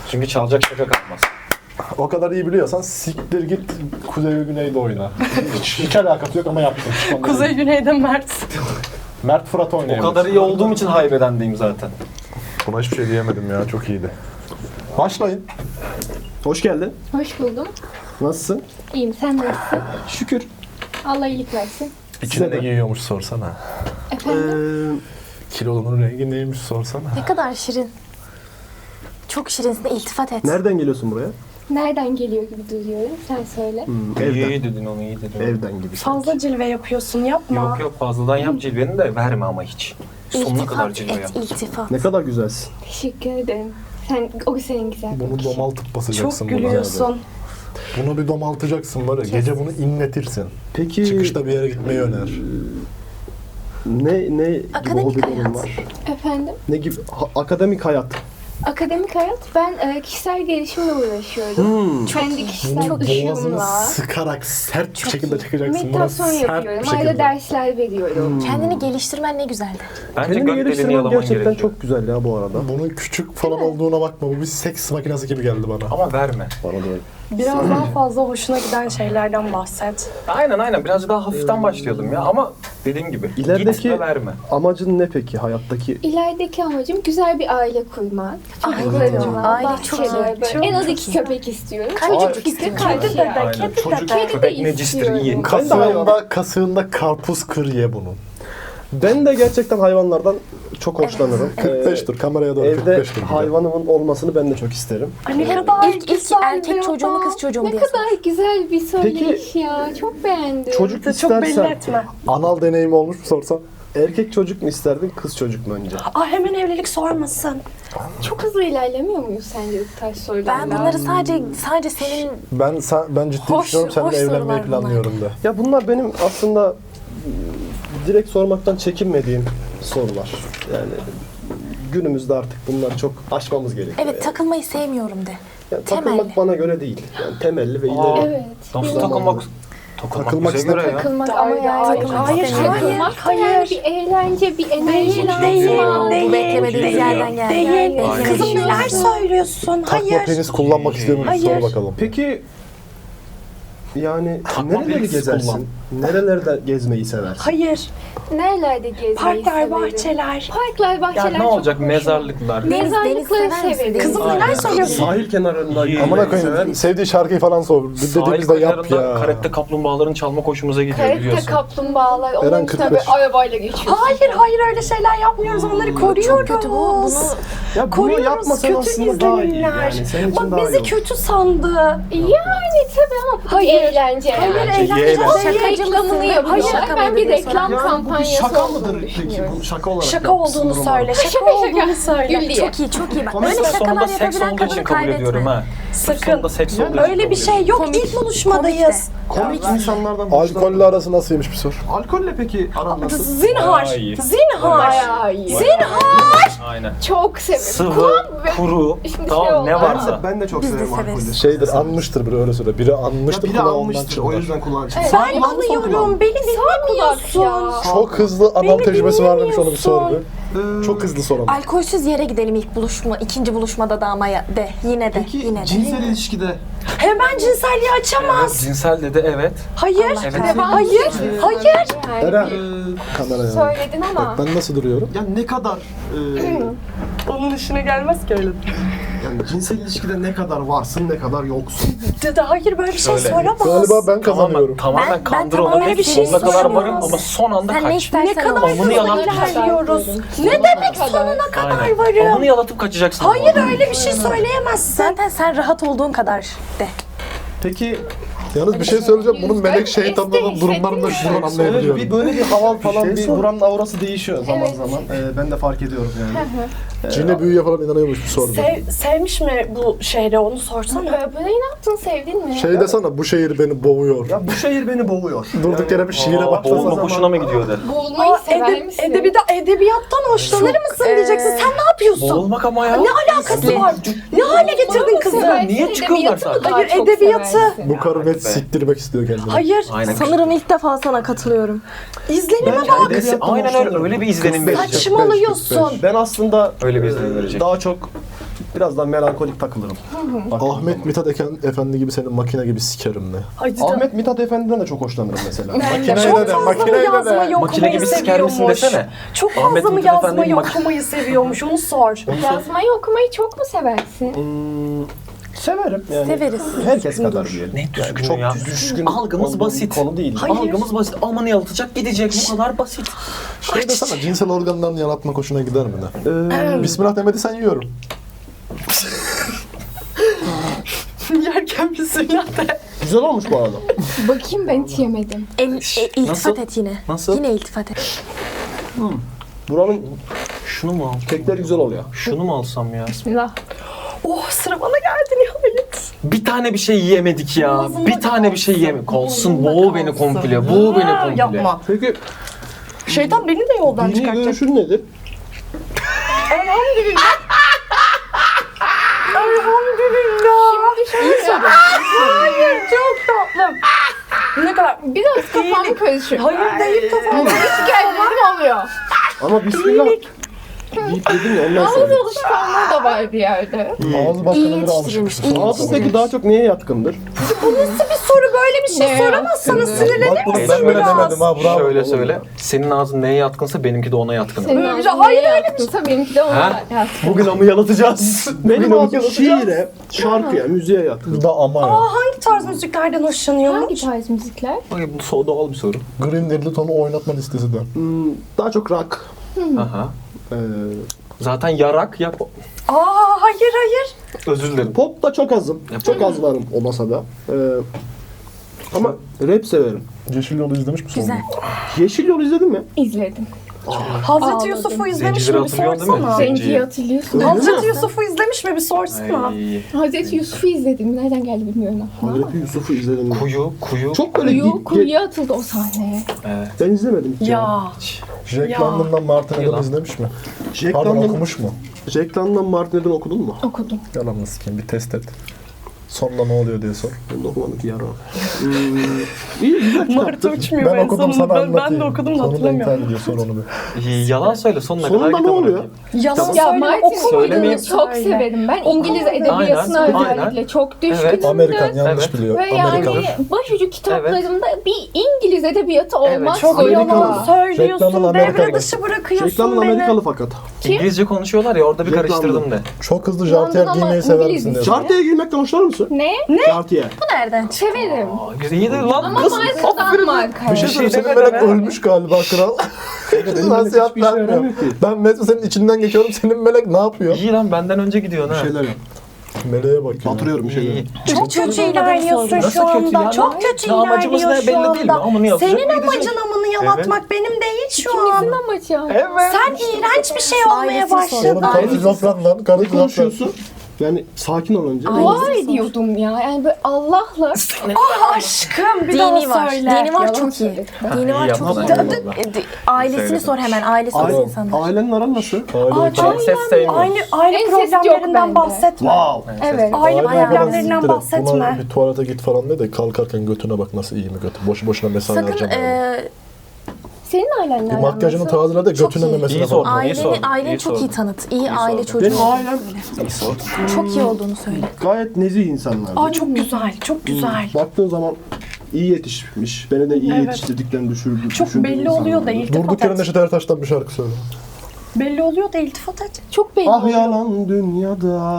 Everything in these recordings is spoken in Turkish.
Çünkü çalacak şaka kalmaz. O kadar iyi biliyorsan siktir git Kuzey ve Güney'de oyna. Hiç alakası yok ama yaptım. Kuzey Güney'de Mert. Mert Fırat O oynayabilir. kadar iyi olduğum için haybedendeyim zaten. Buna hiçbir şey diyemedim ya, çok iyiydi. Başlayın. Hoş geldin. Hoş buldum. Nasılsın? İyiyim. Sen nasılsın? Şükür. Allah iyilik versin. İçine ne giyiyormuş sorsana. Efendim? Kilolunun rengi neymiş sorsana. Ne kadar şirin. Çok şirinsin. İltifat et. Nereden geliyorsun buraya? Nereden geliyor gibi duyuyorum. Sen söyle. Evden. İyi dedin onu, iyi dedin. Evden gibi. Fazla cilve yapıyorsun, yapma. Yok yok, fazladan yap cilveni de verme ama hiç. Sonuna kadar cilve yap. İltifat. Ne kadar güzelsin. Teşekkür ederim. O senin güzel Bunu bakışın. domaltıp basacaksın. Çok buna. gülüyorsun. Bunu bir domaltacaksın var ya, gece bunu inletirsin. Peki Çıkışta bir yere gitmeyi öner. ne gibi Akademik hobilerin hayat. var? Efendim? Ne gibi akademik hayat? Akademik hayat. Ben kişisel gelişimle uğraşıyorum. Kendi kişisel Bunu boğazını ışığımla. sıkarak sert bir şekilde çekeceksin. Buna Meditasyon sert yapıyorum. bir Ayrıca şekilde. dersler veriyorum. Kendini geliştirmen ne güzeldi. Bence Kendini gök deliğini geliştirmen yalaman gerçekten gerekiyor. çok güzel ya bu arada. Bunun küçük falan olduğuna bakma. Bu bir seks makinesi gibi geldi bana. Ama verme. Bana da öyle. Biraz daha fazla hoşuna giden şeylerden bahset. Aynen. Birazcık daha hafiften başlayalım ya. Ama dediğim gibi İlerideki- gitme verme. Amacın ne peki hayattaki? İlerideki amacım güzel bir aile kurmak. Çocuklarımla, Aile çok iyi, bahçede, böyle çok en az iyi. 2 köpek istiyorum. Kaç Çocuk çocuk istiyorum. istiyorsun? Kedi de. Aynen. Çocuk Kedi de köpek necistir, iyi. istiyorum. Kasığında karpuz kır ye bunun. Ben de gerçekten hayvanlardan çok hoşlanırım. 45'tir, kameraya doğru Evde 45'tir. bir de. hayvanımın olmasını ben de çok isterim. Ne kadar İlk güzel erkek bir çocuğu mu adam. kız çocuğu mu Ne diye kadar güzel bir söyleyiş Peki, ya. Çok beğendim. Çocuk Çok belli istersen etme. Anal deneyimi olmuş mu sorsan? erkek çocuk mu isterdin kız çocuk mu önce? Hemen evlilik sormasın. Çok hızlı ilerlemiyor muyuz sence bu tarz sorularla? Ben bunları sadece senin Ben ciddi Hoş- düşünüyorum, seninle hoş evlenmeyi sorular planlıyorum da. Ya bunlar benim aslında direkt sormaktan çekinmediğim sorular. Yani günümüzde artık bunları çok aşmamız gerekiyor. evet takılmayı sevmiyorum de. Yani takılmak temelli. bana göre değil. Yani temelli ve ileri. Evet. Nasıl takılmak? Takılmak bize göre ya. Takılmak ama yani. Hayır, Takılmak da yani bir eğlence, bir enerji lazım. Bu beklemediğimiz yerden geldi. Değil. Aynen. Kızım neler söylüyorsun? Takma Hayır. penis kullanmak istiyor musun? Sor Hayır. bakalım. Peki yani Takma nereleri penis gezersin? kullan. Nerelerde gezmeyi seversin? Hayır. Nerelerde gezmeyi Parklar, severim? bahçeler. Parklar, bahçeler Ya ne olacak? çok hoşuma. Mezarlıklar. Deniz Mezarlıkları sever misin? severim. Kızım Aynen. neler söylüyorsun? Sahil kenarında İyi. Amına gezmeyi sever koyayım, misin? sevdiği şarkıyı falan sor. Sahil Dediğimizde yap kıyılarında ya. karette kaplumbağaların çalma hoşumuza gidiyor Karette biliyorsun. kaplumbağalar, Eren onun üstüne 45. böyle arabayla geçiyorsun. Hayır öyle şeyler yapmıyoruz. Onları koruyoruz. Çok kötü bu. Ya bunu Koruyoruz. yapmasan Kötü aslında daha iyi. izlenimler. Yani senin için Bak daha iyi bizi olur. kötü sandı. Yani tabii ama bu Hayır. eğlence. Hayır Bence eğlence. yeğlen. Onun Şakacı reklamını mısın? yapıyorlar. Hayır, Ben bir şaka reklam Yani bu bir kampanyası şaka olduğunu mıdır peki? düşünüyorum. Bu şaka olarak Şaka yapmışsın olduğunu umarım. söyle. Şaka Şaka. olduğunu söyle. Gül diye. Çok iyi bak. Komik Böyle Sonunda şakalar seks yapabilen olduğu için kadını kabul ediyorum kaybetme. ha. Sakın. Sonunda seks olduğu için Öyle bir kabul şey ediyorum. yok. İlk buluşmadayız. Komik insanlardan Alkolle arası nasılmış bir sor. Alkolle peki aran nasıl? Zinhar. Daha iyi. Zinhar. Bayağı iyi. Aynen. Çok severim. Sıvı, kuru, Şimdi şey tamam ne oldu. varsa. Ben de çok Biz de severim severiz. alkolü. Şeydir, anmıştır biri öyle söyle. Biri Ya anmıştır, biri kulağı ondan almıştır o çıkar. yüzden kulağın çıktı. Evet. Ben anlıyorum. Beni dinlemiyorsun. ya. Çok hızlı anal Beni tecrübesi var mıymış onu bir sor bir. Ee, Çok hızlı sor ama. Alkolsüz yere gidelim ikinci buluşmada da ama de. Yine de. Peki Yine de. cinsel ilişkide Hemen cinselliği açamaz. Cinsel dedi evet. Hayır. Evet. Hayır. Hayır. Eren, Yani kameraya. söyledin ama. Bak ben nasıl duruyorum? ya ne kadar Onun işine gelmez ki öyle. yani cinsel ilişkide ne kadar varsın ne kadar yoksun. Dede hayır böyle bir şey Öyle. soramaz. Galiba ben kazanıyorum. Tamamen Ben kandır tamamen onu. öyle bir şey Sonuna kadar söylemiyorum. varım ama son anda Sen ne kaç. istersen Ne kadar ol. Amını hızlı yalan. ilerliyoruz. Ne demek sonuna kadar Aynen. varım? Amını yalatıp kaçacaksın. Hayır öyle bir şey söyleyemezsin. Zaten sen rahat olduğun kadar de. Peki Yalnız bir şey söyleyeceğim. Bunun melek Yüzde şeytanlarının durumlarını da şuradan evet, anlayabiliyorum. bir böyle bir hava falan şey bir sor. buranın aurası değişiyor zaman Evet. zaman. Ben de fark ediyorum yani. Cine büyüye falan inanıyormuş bir sordu. Sevmiş mi bu şehre onu sorsana. Böyle ne yaptın, sevdin mi? Şey desene, bu şehir beni boğuyor. Ya bu şehir beni boğuyor. Durduk yere bir şiire Aa, başlasa boğulma zaman. hoşuna mı gidiyor de? Boğulmayı sever misin? Edebiyattan hoşlanır mısın diyeceksin. Sen ne yapıyorsun? Boğulmak ama ya. Ne alakası var? Ne hale getirdin kızı? Seversin, Niye çıkıyorlar edebiyatı mı zaten? daha Hayır, çok edebiyatı. seversin? Bu karı net siktirmek istiyor kendini. Hayır. Aynen. Sanırım ilk defa sana katılıyorum. İzlenime Ben bak. edebiyattan Aynen öyle. hoşlanıyorum. Öyle bir izlenim 45. verecek. Saçmalıyorsun. Ben aslında Öyle bir izlenim verecek. daha çok Biraz daha melankolik takılırım. Ahmet Mithat Efendi gibi senin makine gibi sikerim ne? Ahmet Mithat Efendi'den de çok hoşlanırım mesela. Makineyle de, makineyle de. Makine gibi siker misin desene. Çok Ahmet fazla mı Mithat Efendi'nin yazmayı mak- okumayı seviyormuş onu sor. Yazmayı okumayı çok mu seversin? Severim yani. Severiz. Herkes kadar diyelim. Ne düzgünü çok ya. düşkün Algımız olduğum basit. bir konu değil. Algımız basit. Aman yalıtacak gidecek. Bu kadar basit. Şey desene, cinsel organlarını yaratmak hoşuna gider mi ne? Bismillah demediysen yiyorum. Yerken bismillah de. Güzel olmuş bu arada. Bakayım ben hiç yemedim. İltifat Nasıl? et yine. Nasıl? Yine iltifat et. Buranın Şunu mu al? kekleri güzel oluyor. Şunu mu alsam ya? Bismillah. Oh sıra bana geldi nihayet. Bir tane bir şey yiyemedik ya. Boğazında Bir tane bir şey yiyemedik. Kalsın boğ beni kalsın. komple. Boğ beni Ha, komple. Yapma. Peki Şeytan beni de yoldan dini çıkartacak. görüşün nedir? Elhamdülillah. Elhamdülillah. Şimdi şöyle Hayır çok tatlım. Ne kadar... biraz kafam karışıyor. Hayır değil kafam. Hiç gelmedim oluyor. Ama bismillah deyip dedim ya ondan Ağız sonra. alışkanlığı da var bir yerde. Ağzı başka İyi neleri yetiştirilmiş. alışmış. Ağzın peki daha çok neye yatkındır? Bir soru böyle bir şey Ne soramazsanız yaptın? sinirlenir Bak bunu misiniz ben böyle biraz? demedim ha, bravo. Şöyle söyle. Senin ağzın neye yatkınsa benimki de ona yatkın. Senin Öyle bir ağzın şey- hayır, neye öyle bir yatkınsa benimki de ona Ha? yatkın. Bugün ama yalatacağız. Benim Bugün ağzım şiire, şarkıya, müziğe yatkın. Bir de ama ya. Hangi tarz müziklerden hoşlanıyormuş? Hangi tarz müzikler? Bakın bu doğal bir soru. Green Littleton'u oynatma listesi de. Daha çok rock. Aha. Ee, Zaten yarak yap. Hayır. Özür dilerim. pop da çok azım. Çok az varım o masada. Ama rap severim. Yeşil Yol'u izlemiş misin? Güzel. Yeşil Yol izledin mi? İzledim. Hazreti Ağladım. Yusuf'u izlemiş Zencileri mi bir hatırlıyorsun değil mi? sorsana. Zenciyi hatırlıyorsun. Hazreti Yusuf'u izlemiş mi bir sorsana. Ay. Hazreti Yusuf'u izledim. Nereden geldi bilmiyorum ama. Hazreti Yusuf'u izledim. mi? Kuyu. Çok böyle Kuyuya atıldı o sahne. Evet. ben izlemedim hiç. Ya. Jack Ya. London'dan Martin Yalan. Eden izlemiş mi? Jack Pardon, London, okumuş mu? Jack London Martin Eden okudun mu? Okudum. Yalanını sikeyim, bir test et. Sonunda ne oluyor diye sor. Ben de okumadım ki yarın. İyi güzel kitaptı. uçmuyor Ben okudum sana anlatayım. Ben de okudum da Sonunda hatırlamıyorum. intihar ediyor, sor onu bir. Yalan söyle sonuna kadar Sonunda ne kitabı oluyor? bırakayım. Yalan Ya söyleme Martin okumadım. Söylemeyeyim. çok severim. Ben İngiliz edebiyatına Aynen, özellikle aynen. çok düşkünümdür. Evet. Amerikan yanlış Evet. biliyor. Ve Amerikan. yani başucu kitaplarımda bir İngiliz edebiyatı olmaz. Çok Amerikalı. yalan söylüyorsun. Reklamın Amerikalı. Devre dışı bırakıyorsun Jack London beni. Amerikalı fakat. İngilizce konuşuyorlar ya orada bir Jack karıştırdım London. de. Çok hızlı London jartiyer ama giymeyi sever İngiliz misin diye. işte. Jartiye girmekten hoşlanır mısın? Ne? Jartiye. Bu nereden? Severim. İyi de lan Ama kız. markadan marka. Bir şey söyleyeyim, senin demedi melek be. ölmüş galiba kral. Nasihat hiçbir işe vermiyor. yaramıyor ki. Ben Mesut senin içinden geçiyorum, senin melek ne yapıyor? İyi lan benden önce gidiyorsun ha. Bir şeyler yap. Meleğe bak ya. Batırıyorum bir şeyler. İyi. Çok kötü ilerliyorsun Nasıl şu kötü anda. ya? Çok kötü Ya amacımız ne ilerliyor şu belli değil mi? anda. Amını yapacak, Senin gidecek. amacın amını yalatmak benim değil şu İkimizin an. amacı. Evet. Sen iğrenç bir şey olmaya Ailesini başladın. Oğlum karı şizofren lan, karı Ne şizofren. konuşuyorsun? Yani sakin ol önce. Dua ediyordum ya. Yani böyle Allah'la. Aşkım bir daha Dini var. söyle. Dini var Yalan çok iyi. söyledim. Dini var çok yapma. iyi. Eyvallah. Ailesini Söyle. sor hemen. Ailesi Aile, nasıl insanlar. ailenin aran nasıl? Aile Çok ses sevmiyorum. Aile Ensest yok problemlerinden bende. bahsetme. Wow. Evet. Aile falan problemlerinden siktir et. bahsetme. Buna bir tuvalete git falan de kalkarken götüne bak nasıl iyi mi götü. Boşu boşuna mesai Sakın harcama. Senin ailenle Bir makyajını tazele de Çok götüne iyi. de mesela İyi sordun. bak. aileni iyi çok iyi sordun. tanıt. İyi aile çocuğu. Benim ailem Çok iyi olduğunu söyle. gayet nezih insanlardı. Aa çok güzel, çok güzel. Baktığın zaman iyi yetişmiş. Beni de iyi Evet. yetiştirdiklerini düşündüğüm Çok belli oluyor da Durduk iltifat yere et. Neşet Ertaş'tan bir şarkı söyle. Belli oluyor da iltifat et. Çok belli. Ah yalan dünyada,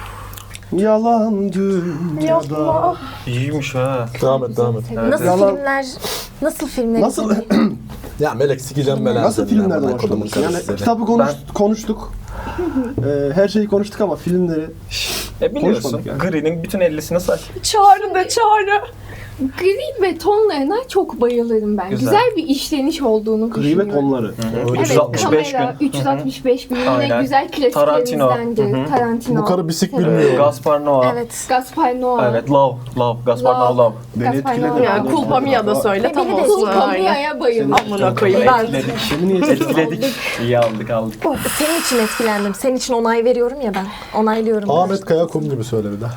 yalan dünyada. Yapma. İyiymiş ha. Devam et, devam et. Nasıl Yalan- filmler? Nasıl filmler? Nasıl Ya melek sikeceğim belanı. nasıl filmlerden hoşlanırsın? Yani kitabı konuştuk. Her şeyi konuştuk ama filmleri Biliyorsun Konuşmadık yani. Gri'nin bütün 50'sini say. Çağrı da çağrı. Gri ve tonlarına çok bayılırım ben. Güzel. Güzel bir işleniş olduğunu gri düşünüyorum. ve tonları. Öyle Evet, 365 kamera, gün. 365 gün yine Aynen. güzel Tarantino. klasiklerimizdendir. Tarantino. Bu karı bisik bilmiyor. Gaspar Noé. Evet. Gaspar Noé. Evet, Love. Gaspar Love. Noé Love. Beni Gaspar etkiledi. Noé. Ya Culpa Mia da söyle tam Beni de olsun. Kulpa Aynen. Mia'ya bayılırım. Amına koyayım ben. Etkiledik. Seni niye Etkiledik. İyi aldık. Senin için etkilendim. Senin için onay veriyorum ya ben. Onaylıyorum. Ahmet Kaya Kum gibi söyle bir de.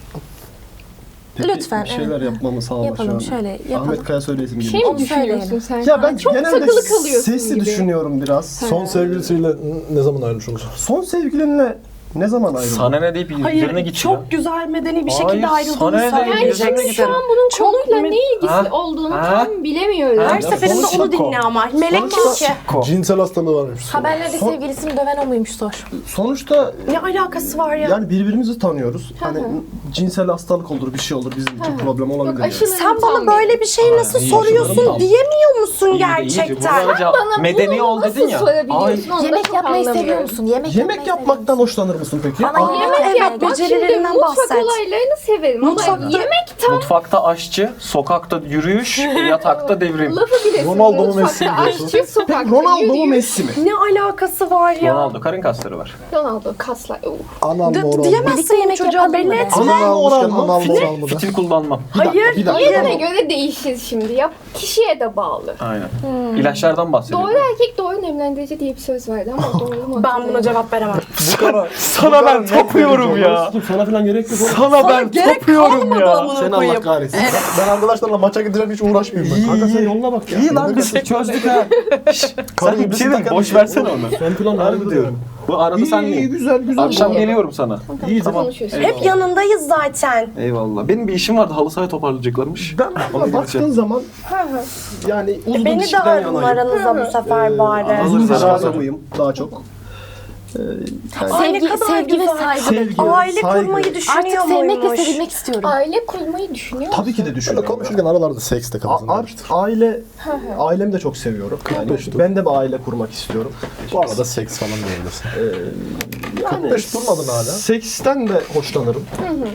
Peki, Lütfen, bir şeyler evet. yapmamı sağla Yapalım, şu an. şöyle yapalım. Ahmet Kaya söyleyesim Şey geliyor. mi düşünüyorsun sen? Ya ben çok genelde takılı kalıyorsun sesli gibi. düşünüyorum biraz. Son sevgilisiyle ne zaman ayrılmış olur? Son sevgilinle Ne zaman ayrıldın? Sana ne deyip üzerine Hayır, gidiyor. çok güzel medeni bir Hayır, şekilde sana ayrıldığını ne söylüyor. dedi? Yani Üzerine şimdi şu gidelim. an bunun Çok konuyla mi- ne ilgisi Ha? olduğunu Ha? tam bilemiyorum. Her seferinde sonuç onu yok dinle o. ama. Melek kişi. Cinsel hastalığı varmış. Haberlerde sevgilisini döven o muymuş sor. Sonuçta Ne alakası var ya? yani birbirimizi tanıyoruz. Hani cinsel hastalık olur, bir şey olur, bizim için problem olabilir. Yok, yani. aşılarını Sen tam bana böyle bir şeyi nasıl iyi, soruyorsun tamam. diyemiyor musun İyi de gerçekten? iyice. Buna medeni bunu ol dedin ya. Nasıl sorabiliyorsun? Onu da Yemek çok yapmayı seviyor anlamıyorum. musun? Yemek Yemek yapmaktan hoşlanır mısın peki? Bana Aa, yemek Evet, yapmayı Bak şimdi becerilerinden mutfak bahset. olaylarını severim ama Mutfakta- yemek tam Mutfakta aşçı, sokakta yürüyüş, yatakta devrim. lafı bile Ronaldo mu Messi mi mutfakta diyorsun? aşçı, sokakta Ronaldo mu yürüyüş. Messi mi? Ne alakası var ya? Ronaldo karın kasları var. Ronaldo kaslar. Anal mı oral mı? Diyemezsin yemek çocuğa yapalım belli mı? etme. Anal oral almışken mı? anal mı oral mı da? Fitil kullanmam. Hayır. Bir dakika. Yerine göre değişir şimdi. Ya kişiye de bağlı. Aynen. İlaçlardan bahsediyorum. Doğru erkek doğru nemlendirici diye bir söz vardı ama doğru mu? Ben buna cevap veremem. Sana ben tapıyorum ya. Dur, sana falan gerek yok. oğlum. Sana ben tapıyorum ya. Sen Allah kahretsin. Ben arkadaşlarla maça gideceğim hiç uğraşmayayım ben. Kanka sen yoluna bak ya. İyi lan biz çözdük ha. Karı Sen bir iblisi şey diyeyim, takan boş bir şey. versene onu. Sen plan Harbi diyorum. Bu arada İyi, sen iyi, değil. güzel güzel. Akşam İyi. geliyorum sana. İyi tamam. Konuşuyorsun. Hep yanındayız zaten. Eyvallah. Benim bir işim vardı, halı sahaya toparlayacaklarmış. Ben Ona baktığın gideceğim. zaman yani uzun Beni de ilişkiden alın yanayım. aranıza bu sefer bari. Alırız Uzun ilişki aranıza. adamıyım daha çok. Ay, ne Sevgi, kadar sevgi ve güzel. saygı Sevgi, bekliyorum. Aile saygı. kurmayı düşünüyor Artık sevmek ve muymuş? sevilmek istiyorum. Aile kurmayı düşünüyor musun? Tabii ki de Şöyle düşünüyorum. konuşurken aralarda seks de kalsın. Ailemi de çok seviyorum. Yani 45 dur. ben de bir aile kurmak istiyorum. Bu arada seks falan diyebilirsin. Yani 45 durmadın hala. seksten de hoşlanırım.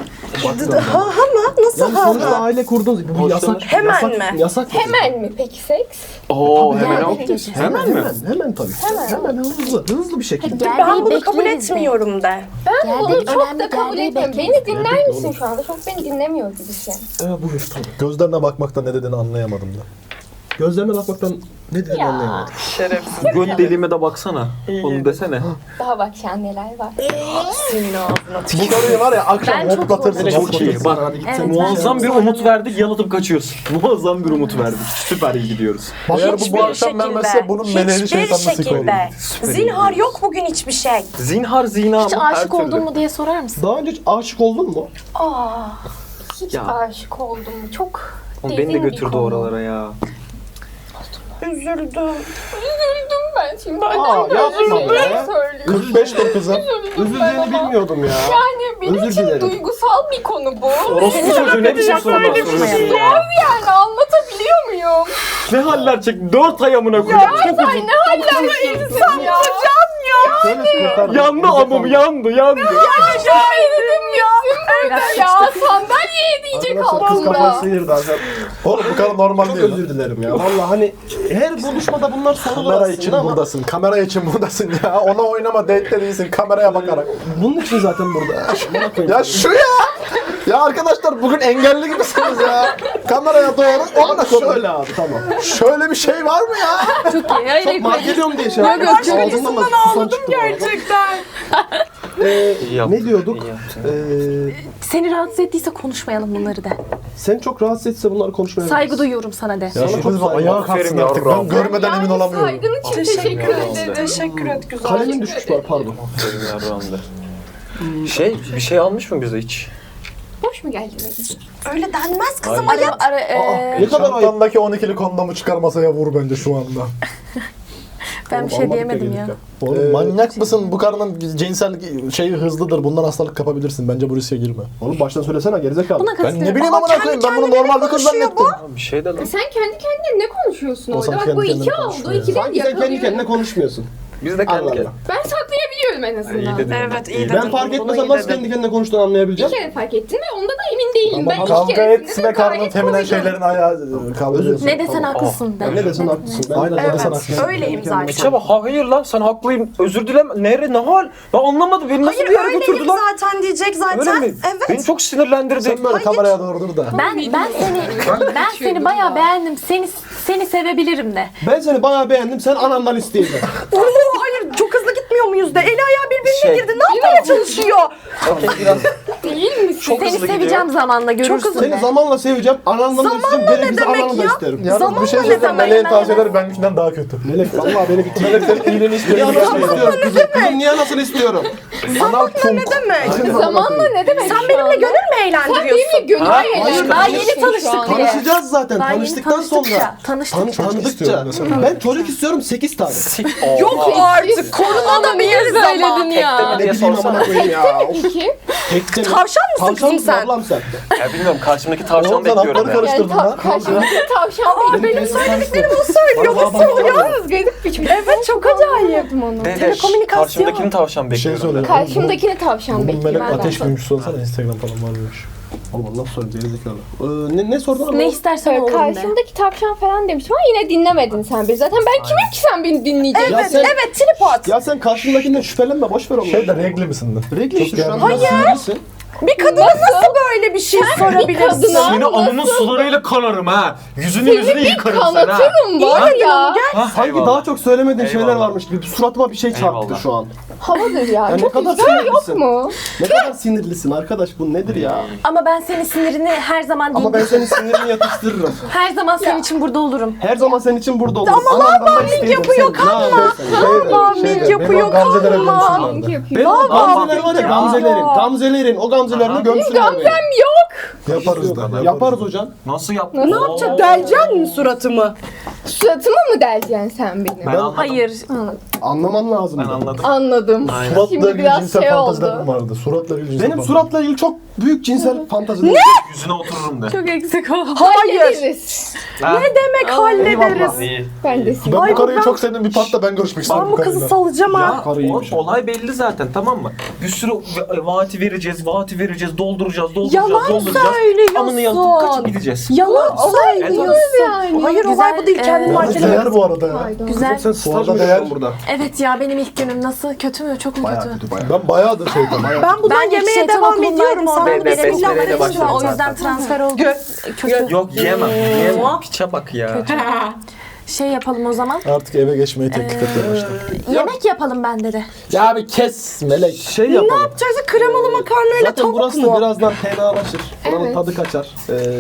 Ha mı? Nasıl Yani sonuçta ha? aile kurduğunuz bu yasak. Hemen yasak, mi? Yasak. Hemen mi peki seks? Oo hemen Yani o. geçin. Hemen mi? Hemen tabii. Hemen hızlı bir şekilde. Geldiği Ben bunu kabul bekleriz de. etmiyorum de. Ben Geldi, bunu çok önemli da kabul geldiği etmiyorum. bekleriz. Beni dinler misin şu anda? Çok beni dinlemiyor gibisin. Buyur tabii. Gözlerine bakmakta ne dediğini anlayamadım da. Gözlerine bakmaktan ne dediğini Ya. anlayamadım. Göt deliğime de baksana. Onu desene. Daha bak şu an neler var. Bu karıyı var ya akşam Ben çok hoplatırsın. zorlanıyorum. Çok iyi. Bak Evet, muazzam ben bir çok umut verdik, yalıtıp kaçıyoruz. Muazzam bir umut verdik. Süper iyi gidiyoruz. Eğer bu Hiçbir akşam vermezse bunun meleğini Hiçbir şeytanla sıkı olur. şekilde. Zinhar yok bugün hiçbir şey. Zinhar zina Hiç mı? Her aşık türlü. oldun mu diye sorar mısın? Daha önce hiç aşık oldun mu? Hiç Ya. aşık oldum mu? Çok Oğlum derin beni de bir götürdü konu. oralara ya. Üzüldüm. Üzüldüm ben şimdi. yapma be. 45 dur kızım. Üzüleceğini bilmiyordum ya. Yani benim Özür için dilerim. duygusal bir konu bu. Orospu çocuğu ne biçim sorular soruyorsun ya? Yani anlatabiliyor muyum? Ne haller çek? 4 ay amına koyayım. Çok uzun. Ne haller insan ya? Söyle kurtar. Yandı amım yandı. Ya eridim ya. Ya sandalyeye diyecek Arkadaşlar kız kafayı altında. sıyırdı arkadaşlar. Oğlum bu kadar normal Çok değil. özür dilerim ya. Vallahi hani her buluşmada bunlar sorulur Kamera aslında için ama buradasın. Kamera için buradasın ya. Ona oynama, date'de değilsin. Kameraya bakarak. bunun için zaten burada. Bana koyayım. Ya şu ya. Ya arkadaşlar bugün engelli gibisiniz ya. Kameraya doğru ona koyun. Şöyle abi tamam. Şöyle bir şey var mı ya? Çok mal geliyorum diye şey yaptım. Ağzımdan da susan çıktı. Gerçekten. İyi yaptın, Ne diyorduk? iyi yaptın. Seni rahatsız ettiyse konuşmayalım bunları de. Seni çok rahatsız etse bunları konuşmayalım. Saygı duyuyorum sana de. Ya Sana şu çok kız saygı. ayağa kalksın artık. Ben görmeden emin olamıyorum. Saygın için teşekkür ederim. Teşekkür et güzel. Kalemin düşmüş var pardon. Bir şey almış mı bize hiç? Boş mu geldin? Öyle denmez kızım. Ne kadar ayıp. Çantandaki 12'li kondomu çıkar masaya vur bence şu anda. Ben bir şey diyemedim ya. Oğlum manyak mısın? Bu karının cinsel şeyi hızlıdır. Bundan hastalık kapabilirsin. Bence bu riske girme. Oğlum baştan söylesene gerizekalı. Buna Ben katılıyorum. ne bileyim amına koyayım. Ben bunu normal bir kız zannettim. Bir şey de lan. Sen kendi kendine ne konuşuyorsun O orada? sana Bak kendi bu kendine iki oldu. konuşmuyor. İki değil Sanki sen kendi kendine yakalıyorum. konuşmuyorsun. Biz de kendi Allah kendine. Allah. Ben saklayabiliyorum en azından. İyi dedin. Evet iyi Ben dedin. fark Bunu etmesem iyi nasıl dedin. kendi kendine konuştuğunu Bir anlayabileceğim? kere fark ettim ve onda da emin değilim. Ama Ben iki Kavga keresinde etme de karnın gayet feminen konuşuyorum. şeylerin ayağı kaldırıyorsun. Ne desen haklısın de. Ne desen haklısın. Ben Aynen, de ne desen zaten- haklısın. Öyleyim zaten. Çaba hayır lan sen haklıyım. Özür dilem. Ne hal? Ben anlamadım. Beni nasıl Hayır bir yere öyleyim götürdüler? zaten diyecek Öyle zaten. mi? Evet. Beni çok sinirlendirdi. Sen böyle kameraya doğru dur da. Ben seni bayağı beğendim. Seni sevebilirim de. Ben seni bayağı beğendim. Sen anamdan isteyeceksin. Oo, hayır çok hızlı gitmiyor muyuz da? Eli ayağı birbirine Şey. girdi. Ne yapmaya çalışıyor? Okey biraz. değil misin? Çok Seni hızlı seveceğim gidiyor. zamanla görürsün Seni de. zamanla seveceğim. Anandan da isteyeceğim. Gerekirse demek ananı da ya? isterim. Yalnız Zamanla bir şey ne söyleyeceğim. demek? Meleğin tavsiyeleri benimkinden daha kötü. Melek vallahi beni bitir. Melek senin iyiliğini Niye istiyor. anasını istiyorum kızım? Kızım niye anasını istiyorum? Anal Ne demek? Zamanla ne demek? Sen benimle gönül mü Sen eğlendiriyorsun? benimle gönül Ha? eğlendiriyorsun. Daha yeni tanıştık şu an. diye. Tanışacağız zaten. Daha yeni Tanıştıktan sonra. Tanıştıkça. Tanıdıkça. istiyorum mesela. Ben çocuk istiyorum 8 tane. Yok artık. Korunabiliriz ama. Söyledin ya. Tekte mi diye Ne bileyim sorsana. amına koyayım ya. Of. İki. Tekte mi? Tavşan mısın Tavşan kızım mısın sen? ablam sen? Ya bilmiyorum karşımdaki tavşan Oğlum sen bekliyorum hapları ya. karıştırdın Yani lan. karşımdaki tavşan Benim söylediklerimi o söylüyor. Nasıl oluyor? Yalnız garip bir şey. Evet çok acayip. Onu. Telekomünikasyon. Karşımdakini tavşan Bir şey bekliyorum. söyle. Karşımdakini tavşan Bunun bekliyor. melek ateş büyümüş sorsana Instagram falan varmış. Oğlum nasıl sorayım gerizekalı. Ne sordun ama? Ne istersen olur de. Karşımdaki tavşan falan demiştim ama yine dinlemedin sen beni. Zaten ben kimim ki sen beni dinleyeceksin? Ya Evet, sen- evet tripod. Ya sen karşındakinden şüphelenme boş ver onları. Şey de regli misin de? Regli işte şu an. Hayır. Sinirlisin. Bir kadına nasıl böyle bir şey sorabilirsin? kadına- Seni alnının sularıyla kanarım ha. Yüzünü yüzünü yıkarım sen ha. Kanatırım var ya. Ha, Sanki eyvallah. daha çok söylemediğin şeyler Eyvallah. varmış gibi. Suratıma bir şey çarptı Eyvallah. şu an. Havadır ya. Ya ne Çok kadar güzel yok sinirlisin. mu? Ne kadar sinirlisin arkadaş bu nedir ya? Ama ben senin sinirini her zaman Ama ben senin sinirini yatıştırırım. her zaman senin için burada olurum. Her zaman senin için burada olurum. Ama lan yapıyor kanma. Mik yapıyor Gamzelere kanma. gömsünler de. Yapıyor. Benim gamzeler var ya gamzelerin. O gamzelerini gömsünler beni. Yok. Yaparız da. Yaparız hocam. Nasıl yaptın? Ne yapacak? Deleceksin mi suratımı? Suratıma mı deleceksin sen benim? Ben anladım. Hayır. Anlaman lazım. Ben anladım. Anladım. Aynen. Suratla Şimdi ilgili biraz cinsel şey fantazilerim oldu. vardı. Suratla ilgili cinsel Benim fantazilerim. suratla ilgili çok büyük cinsel fantazilerim. Yüzüne otururum de. Çok eksik oldu. Hayır. Hallederiz. Ha? Demek hallederiz. İyi. Ben de Ben Ay, bu karıyı ben- çok sevdim. Bir patla ben görüşmek istiyorum Ben bu kızı karıyla. salacağım ha. Ya Karıymış. olay belli zaten tamam mı? Bir sürü vaati vereceğiz, dolduracağız, Yalan söylüyorsun. Amını yalıp kaçıp gideceğiz. Yalan söylüyorsun. yani. Hayır Güzel, olay bu değil. Kendini Yalnız markelemek. değer bu arada ya. Güzel. Sen staj arada mı değer- yapıyorsun burada? Evet ya benim ilk günüm nasıl? Kötü mü? Çok mu Bayağı kötü? kötü bayağı. Ben bayağıdır şeydim. Ben bundan Ben yemeye şeytan devam okulundaydım, ediyorum. Sana oradan bir beri bismillah besmeleyle verelim. başladım O zaten. yüzden transfer oldu. Kötü. Yok yiyemem. Piçe bak ya. Şey yapalım o zaman. Artık eve geçmeyi teklif etmeye başladım. Yemek yapalım bende de. Ya bir kes melek. Şey yapalım. Yapacağız kremalı makarnayla Zaten tavuk burası mu? da birazdan fenalaşır. Buranın Evet. tadı kaçar.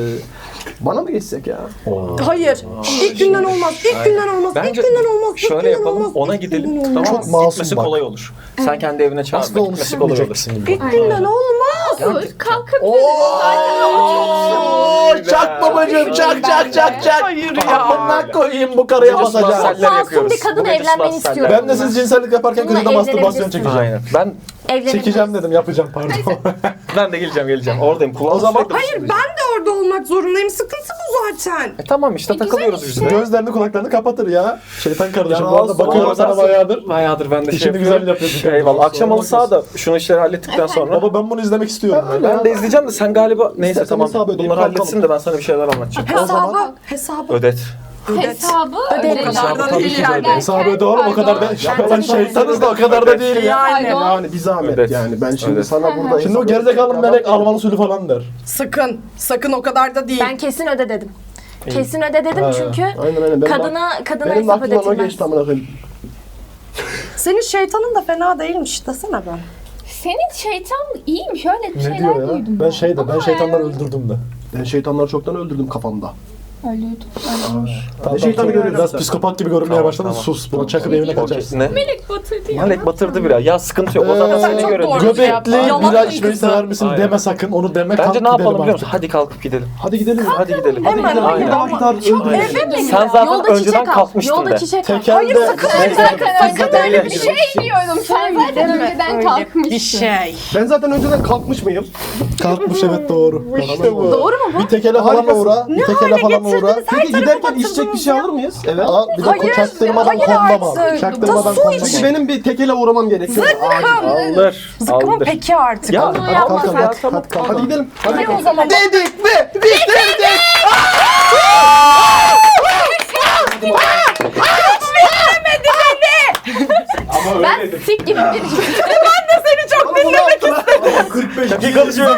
Bana mı geçsek ya? Hayır. İlk günden olmaz. İlk günden olmaz. Bence İlk günden olmaz. İlk şöyle günden yapalım, olmaz. ona İlk gidelim. günden Tamam olmaz. mı? Çok masum Gitmesi bak. kolay olur. Sen kendi evine çağırma, Aslında onu gitmesi kolay olur. silmeyeceksin gibi. İlk günden olmaz. Olur. Kalkıp zaten ama çok Çak babacım çak çak çak çak. Hayır ya. Amına koyayım bu karıya basacağım. Massaller Masum yapıyoruz. bir kadınla Bu gece evlenmeni massaller. istiyorum. Ben de siz cinsellik yaparken Bununla köşede mastürbasyon evlenebilirsin. çekeceğim. Aynen. Ben Evlenelim. Çekeceğim dedim yapacağım pardon. ben de geleceğim. Oradayım. Kulağım O zaman- sürekli Hayır ben de orada olmak zorundayım. Sıkıntı bu zaten. Tamam işte takılıyoruz biz de. Gözlerini kulaklarını kapatır ya. Şeytan kardeşim Ya bu arada olsun, bakıyorum Oradan sana bayağıdır. Bayağıdır ben de İşini şey güzel yapıyorum. yapıyorsun. Eyvallah. Akşam halı sahada şunu işleri hallettikten sonra. Baba ben bunu izlemek istiyorum. Ben de izleyeceğim de sen galiba neyse İstersen tamam hesabı ödeyip bunları kalkalım. halletsin de ben sana bir şeyler anlatacağım. Hesabı. Ödet. hesabı Öderim. Hesabı tabii ki de ödet. Hesabı öde oğlum o kadar da. Ben şeytanız da o kadar da değil ya. Yani bir zahmet Evet. yani. Ben şimdi Evet. sana burada... Şimdi o gerizekalı melek Alman usulü falan der. Sakın. Sakın o kadar da değil. Ben kesin öde dedim. Kesin öde dedim Ha. çünkü Aynen. kadına Benim hesap aklımdan o ödetilmez. geçti amına koyayım. Senin şeytanın da fena değilmiş desene ben. Senin şeytan iyiymiş öyle bir Ne şeyler diyor ya? duydum. Ben şeyde ben Ama şeytanları yani öldürdüm de. Ben şeytanları çoktan öldürdüm kafamda. Ölüydüm. Tamam, şeytanı tamam. görüyorsun Biraz sen? psikopat gibi görünmeye Tamam, başladın. tamam. Sus. Buna çakıp evine kaçarsın. Ne? Melek batırdı ya. Melek batırdı biraz. Ya sıkıntı yok. O zaman seni çok görelim. doğru. Göbekli Yalan bira değil içmeyi kızım. sever misin Aynen. deme sakın. Onu deme kalk Bence ne gidelim yapalım biliyor artık. musun? Hadi kalkıp gidelim. Hadi gidelim. Hadi gidelim. Hemen, Hadi hayır, gidelim. ama Aynen. çok Aynen. eve mi? Sen zaten Yolda önceden çiçek al. kalkmıştın Yolda de. çiçek al. Tekelde Sakın öyle bir şey diyorum. Sen zaten önceden kalkmışsın. Bir şey. Ben zaten önceden kalkmış mıyım? kalkmış evet doğru. İşte bu. Doğru mu bu? Bir tekele falan Harikasın. uğra. Bir tekele falan uğra. Peki giderken içecek bir şey alır mıyız? Evet. Al bir de çaktırmadan kondom al. artık. Çaktırmadan Da su kondom Peki al. benim bir tekele uğramam gerekiyor. Acil. Aldır. Zıkkımın Aldır. peki artık. Ya Onu Hadi yapma kalk sen. hadi kalk kalk. Hadi gidelim. Hadi. O zaman Dedik mi? Bitirdik. Ama Ben sik gibi bir Bana bunu yaptılar. 45 dakika konuşuyorum.